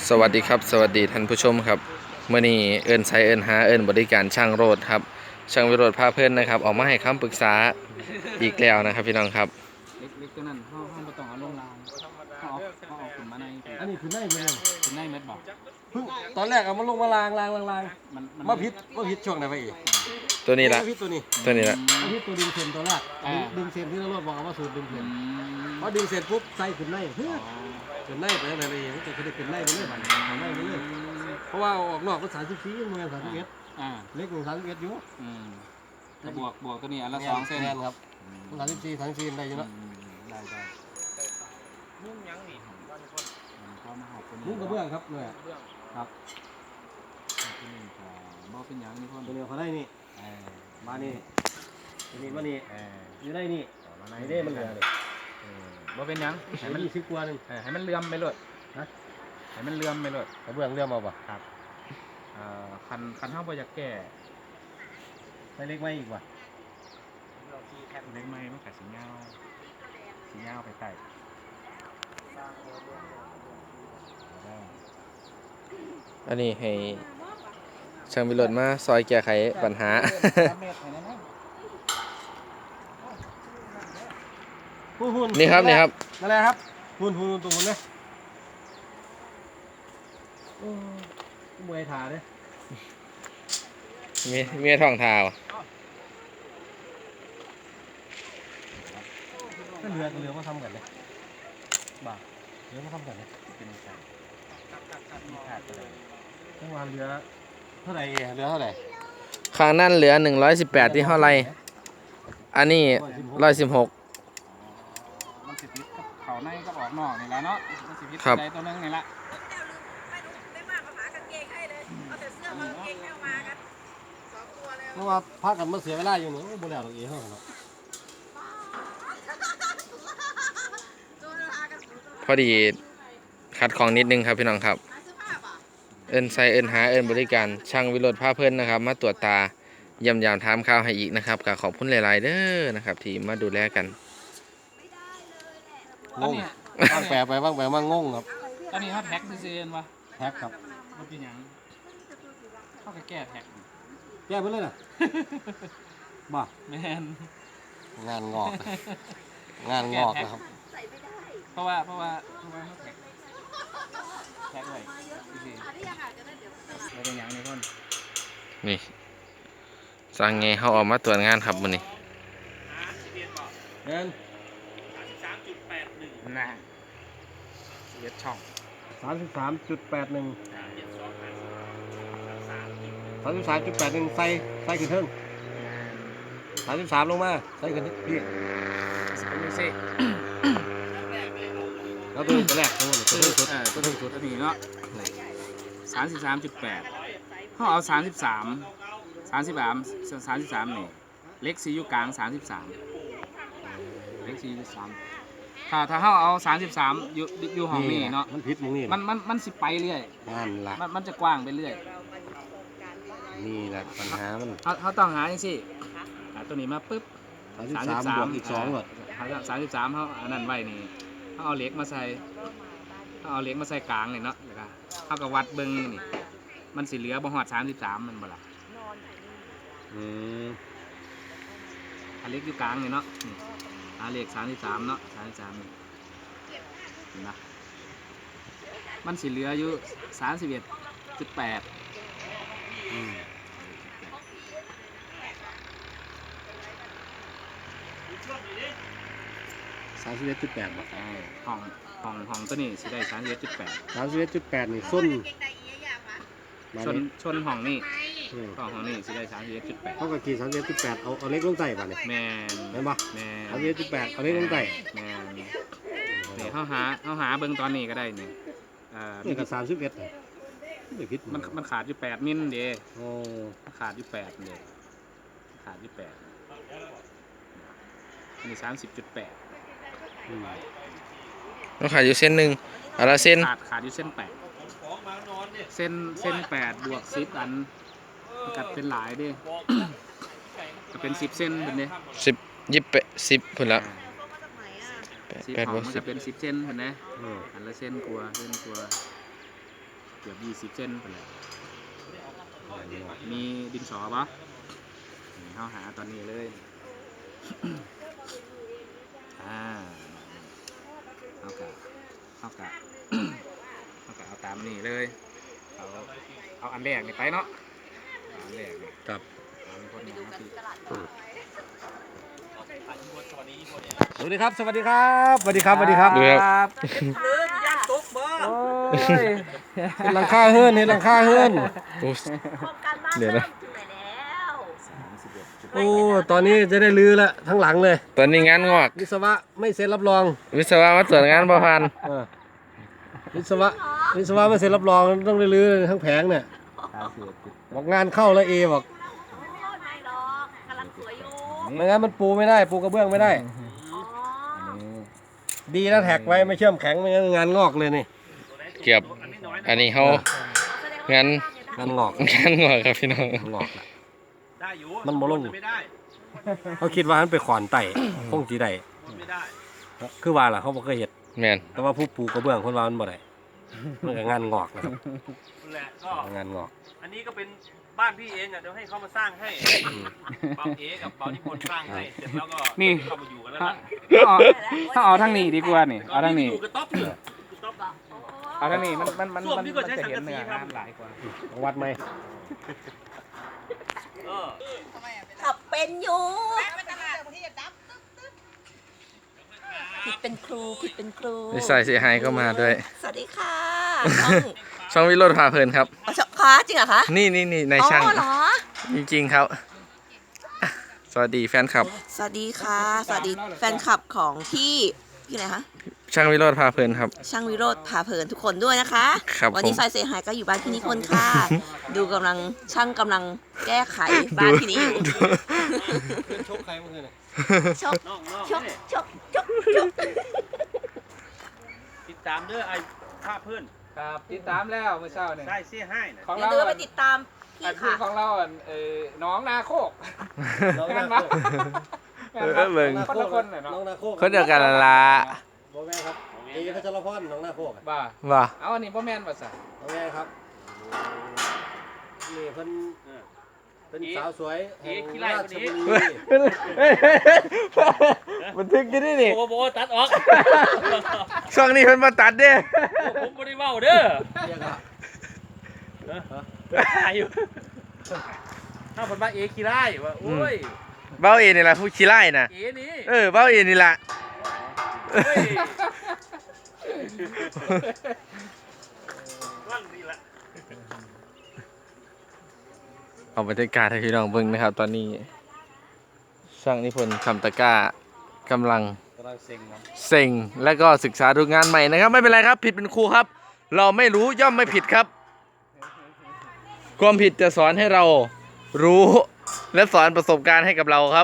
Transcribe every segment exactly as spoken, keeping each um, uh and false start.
สวัสดีครับสวัสดีท่านผู้ชมครับเมื่อนี้เอิญใช้เอิญหาเอิญบริการช่างโรดครับช่างวิโรธพาเพื่อนนะครับออกมาให้คำปรึกษาอีกแล้วนะครับพี่น้องครับเล็กเล็กตัวนั้นห้องห้องประตองเอาลงรางห้องห้องเอาขึ้นมาในอันนี้คือในเมืองขึ้นในเม็ดบอกเพิ่งตอนแรกเอามาลงมาลางลางลางลางมันมันมาพิษมาพิษช่วงไหนไปอีกตัวนี้ละมาพิษตัวนี้ตัวนี้ละมาพิษตัวดึงเซนตัวแรกดึงดึงเซนที่เราลดบอกเอามาสูตรดึงเซอืนมพอดึงเซนปุ๊บใส่ขึ้นในเฮ้ยอ๋อขึ้นในไปไหนไปเองแต่คือขึ้นในไปเรื่อยบัดขึ้นในไปเรื่อยเพราะว่าออกนอกก็สามสิบสี่เมืองสามสิบเอ็ดอ่าเล็กกว่าสามสิบเอ็ดอยู่อืมแต่บวกบวกตัวนี้อันละสองเส้นแนครับสามสิบสี่สามสิบสี่ได้อยู่อืเนาะมได้ได้มุ่งยังนี่เข้ามาหาตัวนี้มุ้งกระเบื้องครับเนี่ยครับตัวนี้ก็บ่เป็นยังนี่พ่นตัวนี้เขาได้นี่เออมานี่ตัวนี้มานี่เอออยู่ได้นี่มาไอ้เด้มันเหลือเลยเออบ่เป็นยังให้ให้มัมัน นยี่สิบกว่าหนึ่งเออให้มันเลื่อมไปเลยนะให้มันเลื่อมไปเลยกระเบื้องเรื่องมาป่ะครับเอ่อคันคันเฮาบ่อยากแก้ใส่เล็กไม่อีกว่ะเล็กไม้มันก็สิยาวสิยาวไปใต้ได้อันนี้ให้ช่างวิโรธมาซอยแก้ไขปัญหาหุ่นหุ่นนี่ครับนี่ครับนั่นแหละครับหุ่นหุ่นตรงหุ่นเลยโอ้เมื่อยขาเลยมีมีท่องเท้าก็เรือกับเรือมาทำกันเลยบ่าเรือมาทำกันเลยเป็นไงมีขาดไปเลยจังหวะเรือเท่าไหร่เรือเท่าไหร่ข้างนั่นเหลือหนึ่งร้อยสิบแปดที่เท่าไรอันนี้ร้อยสิบหกมันสิพิษกับเขาในก็ออกนอกนี่แหละเนาะมันสิพิษครับใจตัวนึงนี่ละเพราะว่าพากันมาเสียเวลาอยู่นี่โอ้บ่แล้วตรงนี้เท่ากันเนาะพอดีขัดของนิดนึงครับพี่น้องครับเอิญใช้เอิญหาเอิญบริการช่างวิโรธพาเพื่อนนะครับมาตรวจตาย่ำยามถามข่าวให้อีกนะครับก็ขอบคุณหลายๆเด้อนะครับที่มาดูแลกันงงบ้างแปลไปบ้างแปลมางงครับตอนนี้เขาแท็กซื่อๆวะแท็กครับมันเป็นหยังเขาก็แก้แท็กแก้ไปเลยนะบ่าแมนงานงอกนะงานงอกนะครับเพราะว่าเพราะว่าเพราะว่าเขาแท็กแท็กไว้ซื่อๆไม่เป็นหยังนี่พ่นนี่สั่งไงเขาออกมาตรวจงานครับมื้อนี้เงินนะเย็ดช่องสามสิบสามจุดแปดหนึ่งสามสิบสามจุดแปดหนึ่งใส่ใส่ขึ้นเทิงสามสิบสามลงมาใส่ขึ้นพี่สเปนซิแล้วตัวตัวแรกตัวนี้ตัวตัวที่สุดเออตัวถึงสุดตัวนี้เนาะสามสิบสามจุดแปดเขาเอาสามสิบสามสามสิบสามสามสิบสามนี่เล็กซีอยู่กลางสามสิบสามเล็กซีอยู่สามถ้าถ้าเขาเอาสามสิบสามอยู่อยู่ห้องนี้เนาะมันพิษมึงนี่มันมันมันสิไปเรื่อยงานละมันมันจะกว้างไปเรื่อยนี่แหละปัญหามันเขาเขาต้องหาอย่างสิหาตัวนี้มาปุ๊บสามสิบสามบวกอีกสองหมดสามสิบสามเขาอันนั้นไว้นี่เขาเอาเหล็กมาใส่เขาเอาเหล็กมาใส่กลางนี่เนาะแล้วก็เขาก็วัดเบิ้งนี่มันสิเหลือบ่ฮอดสามสิบสามมันบ่ล่ะอืมอันเล็กอยู่กลางนี่เนาะนี่หาเหล็กสามสิบสามเนาะสามสิบสามนี่เห็นปะมันสิเหลืออยู่สามสิบเอ็ดจุดแปดอืมสามสิบเอ็ดจุดแปดบาทห้องห้องห้องตัวนี้สิได้สามสิบเอ็ดจุดแปดสามสิบเอ็ดจุดแปดนี่ส้นมาชนนี่ชนห้องนี่อืมห้องห้องนี่สิได้สามสิบเอ็ดจุดแปดเท่ากับกี่สามสิบเอ็ดจุดแปดเอาเอาเล็กลงใส่ป่ะเนี่ยแมนเห็นปะแมนสามสิบเอ็ดจุดแปดเอาเล็กลงใส่แมนนี่เขาหาเขาหาเบิ้งตอนนี้ก็ได้นี่เอ่อนี่ก็สามสิบเอ็ดไม่ผิดมันมันขาดอยู่แปดมิลเด้โอ้มันขาดอยู่แปดเด้ขาดอยู่แปดอันนี้สามสิบจุดแปดอืมต้องขายอยู่เส้นหนึ่งอันละเส้นขาดขาดอยู่เส้นแปดเส้นเส้นแปดบวกสิบอันมันกัดเป็นหลายเด้ ก็เป็นสิบเส้นเป็นเด้สิบยี่สิบแปดสิบพุ่นละแปดสิบแปดขบอวงกมันสิบจะเป็นสิบเส้นเห็นไหมอืมอันละเส้นกลัวเส้นกลัวกือบยี่สิบเซนไปเลยมีดินสอปะนี่เขาหาตอนนี้เลย อ่าเอากะเอากะ เอากะเอาตามนี่เลยเอาเอาอันแรกนี่ไปเนาะเอาอันแรกนี่ครับเอาเป็นคนอย่างที่สวัสดีครับ สวัสดีครับสวัสดีครับสวัสดีครับดูครับโอ้ยเห็นหลังคาเฮือนเห็นหลังคาเฮือนโอ้โครงการบ้านเดี๋ยวเริ่นะมถึงไหนแล้วโอ้ตอนนี้จะได้รื้อละทั้งหลังเลยตอนนี้งานงอกวิศวะไม่เซ็นรับรองวิศวะมาตรวจงานประพันธ์เออวิศวะวิศวะไม่เซ็นรับรองต้องได้รื้อทั้งแผงเนี่ยบอกงานเข้าแล้วเอบอกโอ้ไม่หรอกกำลังสวยอยู่ไม่งั้นมันปูไม่ได้ปูกระเบื้องไม่ได้อ๋อดีนะแท็กไว้ไม่เชื่อมแข็งไม่งั้นงานงอกเลยนี่เกือบอันนี้เขาแสดงว่างั้นงานงอกงานงอกครับพี่น้องงอกละได้อยู่มันบ่ลงไม่ได้เขาคิดว่ามันไปขอนไต่คงจีได้ไม่ได้คือว่าล่ะเขาบ่เคยเห็นแมนแต่ว่าผู้ปูกระเบื้องคนว่ามันบ่ได้มันก็งานงอกนะครับนั่นแหละก็งานงอกอันนี้ก็เป็นบ้านพี่เองอ่ะเดี๋ยวให้เขามาสร้างให้เบาเอกับเบานิพนธ์สร้างให้เสร็จแล้วก็เข้ามาอยู่กันแล้วถ้านะเอาถ้าเอาทางนี้ดีกว่านี่เอาทางนี้อยู่กับต๊อบเนี่ยต๊อบเอาทางนี้มันมันมันส้วมมันนี่ก็มันใช้จะสังเห็นกะสีเนื้อทำน้ำหลายกว่าวัดไหมเออขับเป็นอยู่ผิดเป็นครูผิดเป็นครูนิสัยเสียหายก็มาด้วยสวัสดีค่ะช่องวิโรจน์พาเพลินครับช่องคะจริงเหรอคะนี่นี่นี่นายช่างอ๋อเหรอจริงๆครับอ่ะสวัสดีแฟนคลับสวัสดีค่ะ สวัสดีแฟนคลับของพี่พี่ไหนคะช่างวิโรจน์พาเพลินครับช่างวิโรธพาเพลินทุกคนด้วยนะคะครับวันนี้ผมสายเสียหายก็อยู่บ้านพี่นิพนธ์ค่ะ ดูกำลังช่างกำลังแก้ไขบ้านที่นี้อยู่ชกใครเมื่อคืนน่ะชกน้องน้องชกนี่ชกชกชกติดตามเด้อไอ้ภาพเพื่อนครับติดตามแล้วเมื่อเช้าเนี่ยได้เสียให้นะของเดี๋ยวเราดูไปติดตามพี่อันคือค่ะของเราอันเออน้องนาโคกน้องแม่นาน โคปะกแม่นเอปะอเบิ่งคนละคนน่ะเนาะน้องนาโคกคนเดียวกันละละบ่แม่นครับเอพัชรพรน้องนาโคกอะบ้าว่าเอาอันนี้พ่อแม่นภาษาน้องแม่ครับนี่เพิ่นเออเป็นสาวสวยแห่งเอ๊ะขี้ไล่ราคนชนี้บุรีบันทึกกันได้นี่โอ้โหตัดออกช่วงนี้เพิ่นมาตัดเด้ผมไม่ได้เว้าเด้อเรียกว่าถ่ายอยู่ถ้าผมว่าเอคีไล่ว่าโอ้ยเบ้าเอนี่ล่ะผู้ขี้ไล่น่ะเอนี่เออเบ้าเอนี่ล่ะโอ้ยว่างดีละเอาบรรยากาศให้พี่น้องเบิ่งนะครับ ตอนนี้ช่างนิพนธ์คำตะกร้ากำลังกำลังเซ็งครับเซ็งและก็ศึกษาดูงานใหม่นะครับ ไม่เป็นไรครับผิดเป็นครูครับ เราไม่รู้ย่อมไม่ผิดครับ ความผิดจะสอนให้เรารู้และสอนประสบการณ์ให้กับเราครับ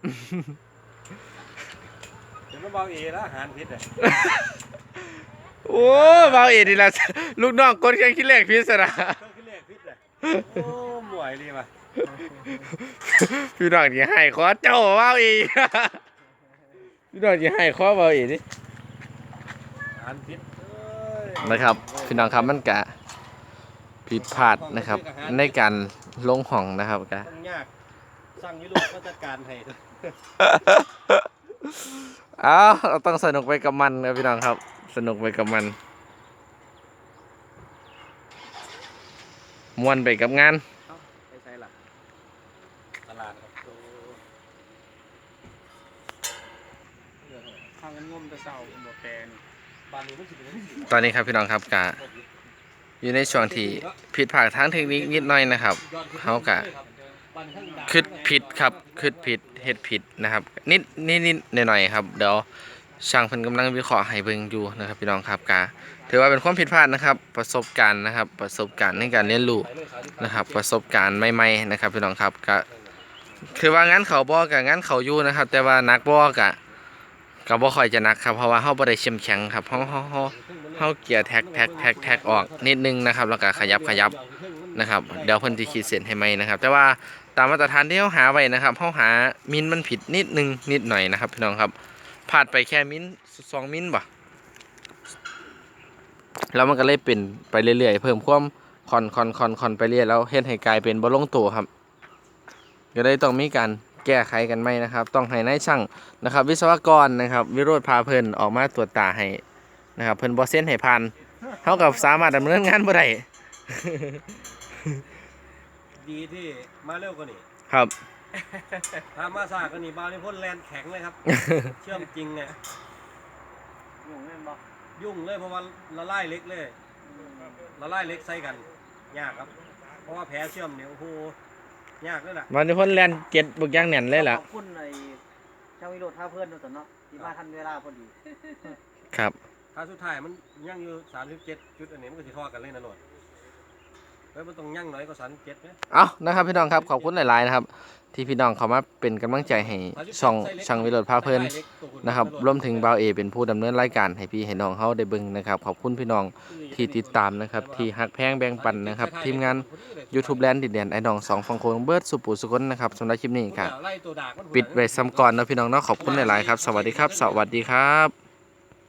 เดี๋ยวมาเบาเอแล้วอาหารพิษอ่ะโอ้เบาเอ็ดนี่ละลูกน้องกดแข่งขี้เหล็กพิศนะเครื่องคิดเลขพิษอ่ะโอ้หมวยดีว่ะพี่น้องที่ให้ขอเจ้าเบาเอ็ดพี่น้องที่ให้ขอเบาเอ็ดนี่อาหารพิษเอ้ยนะครับพี่น้องครับมันกะผิดพลาดนะครับ ในการลงห้องนะครับกะต้องยากสั่งยุโรปก็จัดการให้เอาเราต้องสนุกไปกับมันครับพี่น้องครับ สนุกไปกับมันม่วนไปกับงานไปใช่ล่ะตลาดครับโอ้ทางเงินงมแตะเศร้าหมดแปลนบ้านนี้มันสิเป็นยังไงตอนนี้ครับพี่น้องครับกะอยู่ในช่วงที่ผิดพลาดทางเทคนิคนิดหน่อยนะครับเขากะคิดผิดครับคิดผิดเฮ็ดผิดนะครับ นิดนิดนิดหน่อยหน่อยๆครับเดี๋ยวช่างเพิ่นกำลังวิเคราะห์ให้เบิ่งอยู่นะครับพี่น้องครับกะถือว่าเป็นความผิดพลาดนะครับ ประสบการณ์นะครับ ประสบการณ์ในการเรียนรู้นะครับ ประสบการณ์ใหม่ๆนะครับพี่น้องครับกะคือว่างั้นเขาบ่กะงั้นเขาอยู่นะครับ แต่ว่านักบ่กะก็บ่ค่อยจะนักครับเพราะว่าเฮาบ่ได้เข้มแข็งครับเฮาเฮาเฮาเฮาเกียร์แท็กแท็กแท็กแท็กออกนิดนึงนะครับแล้วก็ขยับขยับนะครับเดี๋ยวเพิ่นสิขีดเส้นให้ใหม่นะครับ แต่ว่าตามมาตรฐานที่เฮาหาไว้นะครับเฮาหามินมันผิดนิดนึงนิดหน่อยนะครับพี่น้องครับพลาดไปแค่มินสองมินบ่แล้วมันก็เลยเป็นไปเรื่อยๆเพิ่มความคอนคอนคอนคอนไปเรื่อยแล้วเฮ็ดให้กลายเป็นบ่ลงตัวครับก็เลยต้องมีการแก้ไขกันใหม่นะครับต้องให้นายช่างนะครับ วิศวกรนะครับวิโรจน์พาเพิ่นออกมาตรวจตาให้นะครับเพิ่นบ่เซ็นให้ผ่านเฮาก็สามารถดำเนินงานบ่ได้ดีที่มาเร็วกว่านี้ครับถ้ามาสากกว่านี้บาวนี่พ่นแลนแข็งเลยครับ เชื่อมจริงเนี่ยยุ่งเลยบ่ยุ่งเลยเพราะว่าละลายเล็กเลยละลายเล็กใส่กันยากครับเพราะว่าแผลเชื่อมเนี่ยโอ้โหยากเลยล่ะวันนี้เพิ่นแล่นเก็ดบึกอย่างแน่นเลยล่ะขอบคุณไอ้ช่างวิโรจน์ท่าเพื่อนด้วยเนาะที่มาทันเวลาพอดีครับถ้าสุดท้ายมันยั่งอยู่สามสิบเจ็ดจุดอันนี้มันก็สิทอดกันเลยนะโหลดเฮ้ยมันต้องยั่งน้อยกว่าสามสิบเจ็ดไหมเอานะครับพี่น้องครับขอบคุณหลายๆนะครับที่พี่น้องเขามาเป็นกำลังใจให้ช่องช่างวิโรจน์พาเพิ่นนะครับรวมถึงบ่าวเอเป็นผู้ดำเนินรายการให้พี่ให้น้องเฮาได้เบิ่งนะครับขอบคุณพี่น้องที่ติดตามนะครับที่ฮักแพงแบ่งปันนะครับทีมงาน YouTube Land ดินแดนไอ้น้องสองฝั่งโค้งเบิร์ดสุปูสุกนนะครับสำหรับคลิปนี้ครับปิดไว้ซ้ำก่อนนะพี่น้องเนาะขอบคุณหลายๆครับสวัสดีครับ สวัสดีครับ